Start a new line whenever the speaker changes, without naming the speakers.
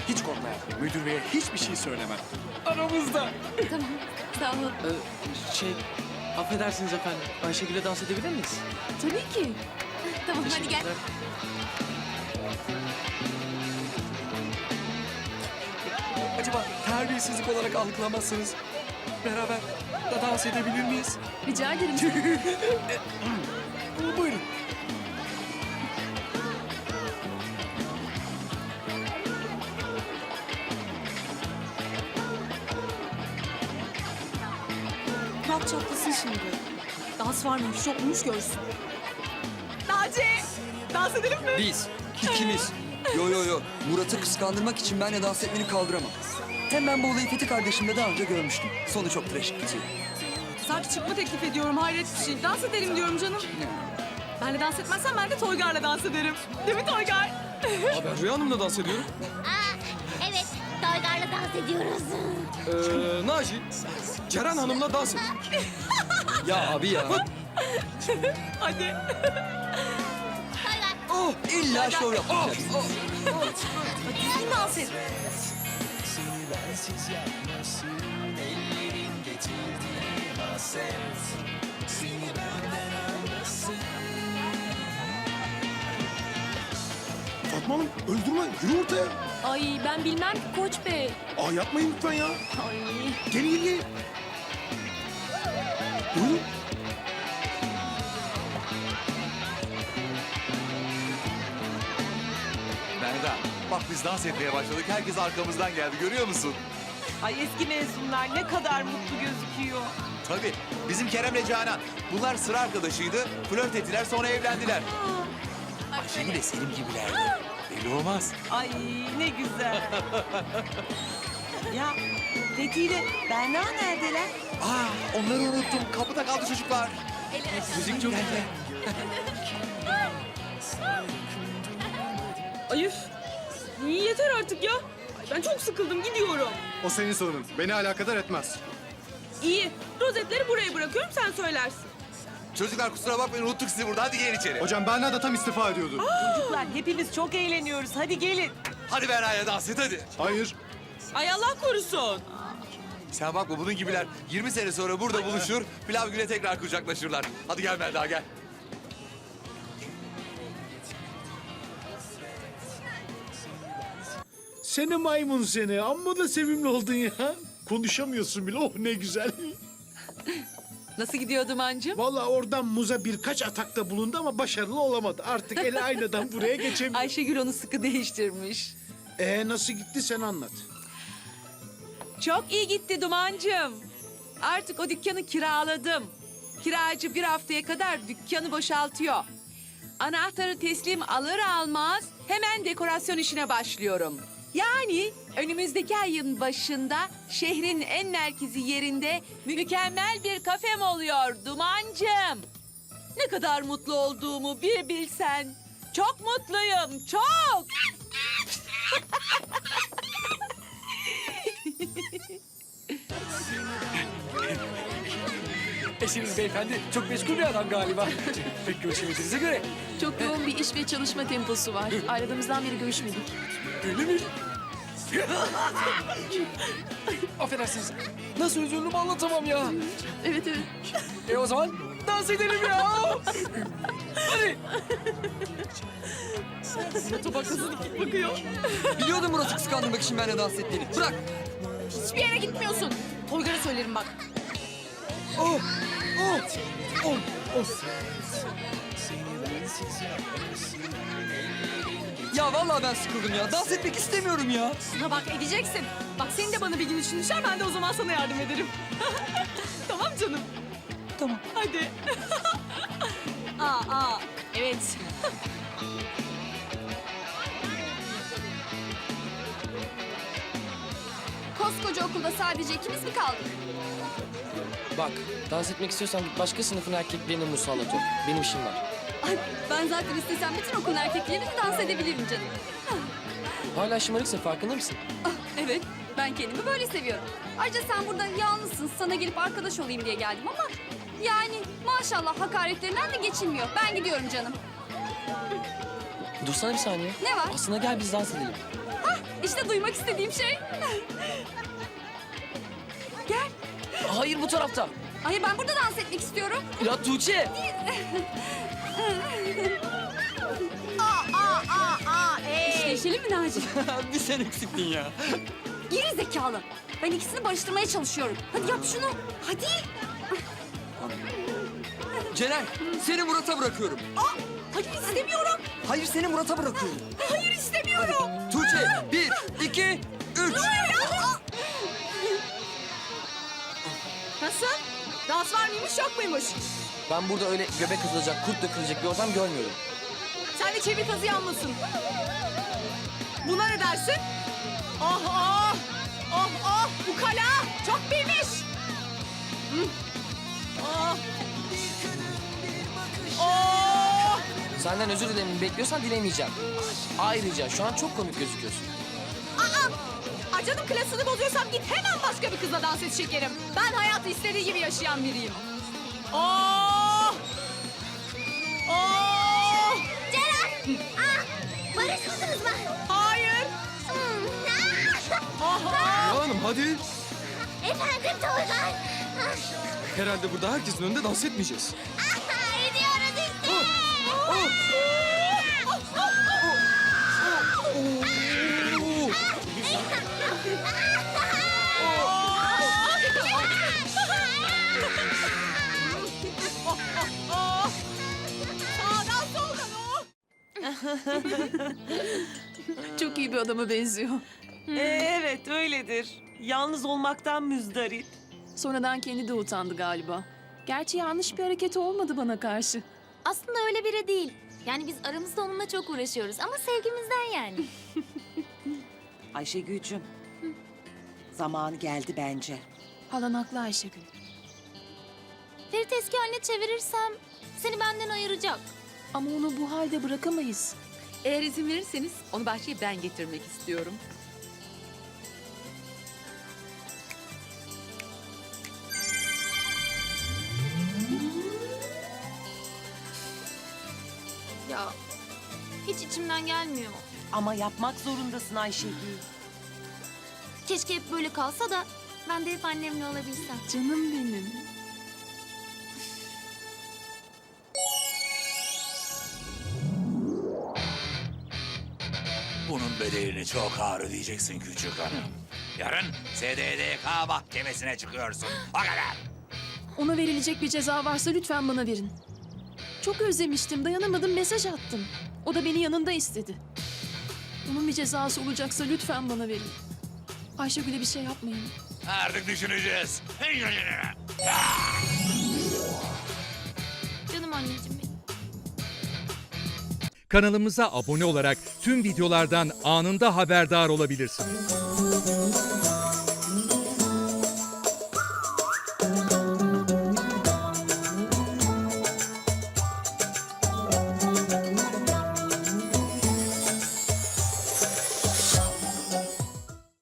Hiç korkma ya. Müdür beye hiçbir şey söylemem. Aramızda.
Tamam, sağ olun.
Affedersiniz efendim. Ayşegül'e dans edebilir miyiz?
Tabii ki. Tamam, hadi gel.
Teşekkürler.
Acaba terbiyesizlik olarak algılamazsınız. Beraber da dans edebilir miyiz?
Rica ederim.
Buyurun.
Bırak çatlasın şimdi. Dans var mıymış yok muymuş görsün. Naci! Dans edelim mi?
Biz, ikimiz. Yo. Murat'ı kıskandırmak için benle dans etmeni kaldıramam. Hem ben bu olayı Fethi kardeşimle daha önce görmüştüm. Sonu çok trajik bitiyor.
Sanki çıkma teklif ediyorum, hayret bir şey. Dans edelim diyorum canım. Benle dans etmezsen ben de Toygar'la dans ederim. Değil mi Toygar?
Aa, ben Rüya Hanım'la dans ediyorum.
Evet, Toygar'la dans ediyoruz.
Naci, Ceren Hanım'la dans et.
Ya abi ya.
Hadi.
Toygar.
Oh, illa şov yapacaksın.
Düzgün dans et.
Fatma Hanım öldürme. Yürü ortaya.
Ay ben bilmem ki Koç Bey.
Aa yapmayın lütfen ya.
Ay.
Gelin. Buyurun.
Melda, bak biz dans etmeye başladık. Herkes arkamızdan geldi. Görüyor musun?
Ay eski mezunlar ne kadar mutlu gözüküyor.
Tabii. Bizim Kerem'le Canan. Bunlar sıra arkadaşıydı. Flört ettiler sonra evlendiler. Ayşegül de Selim gibilerdi. Belli olmaz.
Ay ne güzel. Ya Fethi ile Berna neredeler?
Onları unuttum. Kapıda kaldı çocuklar.
Müzik çok güzel.
Ay üf. Yeter artık ya. Ay, ben çok sıkıldım gidiyorum.
O senin sorunun. Beni alakadar etmez.
İyi. Rozetleri buraya bırakıyorum sen söylersin.
Çocuklar kusura bakmayın unuttuk sizi burada. Hadi gelin içeri.
Hocam Berna da tam istifa ediyordu.
Çocuklar hepimiz çok eğleniyoruz. Hadi gelin.
Hadi Berna'ya dans et hadi.
Hayır.
Ay Allah korusun.
Sen bakma bunun gibiler 20 sene sonra burada buluşur. Pilav güne tekrar kucaklaşırlar. Hadi gel Melda gel.
Seni maymun seni. Amma da sevimli oldun ya. Konuşamıyorsun bile. Oh ne güzel.
Nasıl gidiyor Duman'cığım?
Vallahi oradan muza birkaç atakta bulundu ama başarılı olamadı. Artık eli aynadan buraya geçemiyor.
Ayşegül onu sıkı değiştirmiş.
Nasıl gitti sen anlat.
Çok iyi gitti Duman'cığım. Artık o dükkanı kiraladım. Kiracı bir haftaya kadar dükkanı boşaltıyor. Anahtarı teslim alır almaz hemen dekorasyon işine başlıyorum. Yani önümüzdeki ayın başında şehrin en merkezi yerinde mükemmel bir kafem oluyor Duman'cığım. Ne kadar mutlu olduğumu bir bilsen. Çok mutluyum, çok.
Eşiniz beyefendi çok meşgul bir adam galiba. Pek görüşemediğinize göre.
Çok yoğun bir iş ve çalışma temposu var. Ayrıldığımızdan beri görüşmedik.
Öyle mi? Affedersiniz. Nasıl üzüldüm anlatamam ya.
Evet.
O zaman dans edelim ya. Hadi.
Biliyordum Murat'ı kıskandırmak için benle dans ettiğini. Bırak.
Hiçbir yere gitmiyorsun. Toygar'a söylerim bak.
Ya vallahi ben sıkıldım ya. Dans etmek istemiyorum ya.
Buna bak edeceksin. Bak senin de bana bir gün için düşer ben de o zaman sana yardım ederim. Tamam canım.
Tamam.
Hadi.
Evet. Koskoca okulda sadece ikimiz mi kaldık?
Bak, dans etmek istiyorsan git başka sınıfın erkeklerine musallat ol. Benim işim var.
Ay, ben zaten istesem bütün okulun erkekleriyle dans edebilirim canım.
Hala şımarıksın, farkında mısın?
Evet, ben kendimi böyle seviyorum. Ayrıca sen burada yalnızsın, sana gelip arkadaş olayım diye geldim ama... Yani maşallah hakaretlerinden de geçilmiyor. Ben gidiyorum canım.
Dursana bir saniye.
Ne var?
Aslında gel biz dans edelim.
İşte duymak istediğim şey. Gel.
Hayır, bu tarafta.
Hayır, ben burada dans etmek istiyorum.
Ya Tuğçe.
Değişelim mi Naci?
Bir sen eksiktin ya.
Geri zekalı. Ben ikisini barıştırmaya çalışıyorum. Hadi yap şunu. Hadi.
Celal, seni Murat'a bırakıyorum.
Hayır istemiyorum.
Hayır, seni Murat'a bırakıyorum.
Hayır istemiyorum.
Tuğçe, 1, 2, 3.
Nasıl? Dans var mıymış yok muymuş?
Ben burada öyle göbek atılacak, kurt dökülecek bir ortam görmüyorum.
Sen de çevir kazı yanmasın. Buna ne dersin? Oh oh! Oh oh! Bu kala çok bilmiş. Oh! Oh!
Senden özür dilememi bekliyorsan dilemeyeceğim. Ayrıca şu an çok komik gözüküyorsun.
Ay canım, klasını bozuyorsam git hemen başka bir kızla dans et şekerim. Ben hayatı istediği gibi yaşayan biriyim. Oh! Oh!
Celal! Barışmadınız mı?
Hayır! Oh, oh!
Ya hanım hadi.
Efendim Toygar.
Herhalde burada herkesin önünde dans etmeyeceğiz.
Ediyoruz işte.
Sağdan soldan oh!
Çok iyi bir adama benziyor.
Evet öyledir. Yalnız olmaktan müzdarip.
Sonradan kendi de utandı galiba. Gerçi yanlış bir hareket olmadı bana karşı.
Aslında öyle biri değil. Yani biz aramızda onunla çok uğraşıyoruz ama sevgimizden yani.
Ayşegül'cüm. Zamanı geldi bence.
Halan haklı Ayşegül.
Ferit eski haline çevirirsem seni benden ayıracak.
Ama onu bu halde bırakamayız.
Eğer izin verirseniz onu bahçeye ben getirmek istiyorum.
Ya hiç içimden gelmiyor.
Ama yapmak zorundasın Ayşegül.
Keşke hep böyle kalsa da ben de hep annemle olabilsem.
Canım benim.
Bunun bedelini çok ağır ödeyeceksin küçük hanım. Yarın SDDK mahkemesine çıkıyorsun. O kadar.
Ona verilecek bir ceza varsa lütfen bana verin. Çok özlemiştim, dayanamadım, mesaj attım. O da beni yanında istedi. Onun bir cezası olacaksa lütfen bana verin. Ayşegül'e bir şey yapmayın.
Artık düşüneceğiz.
Canım anneciğim benim.
Kanalımıza abone olarak tüm videolardan anında haberdar olabilirsiniz.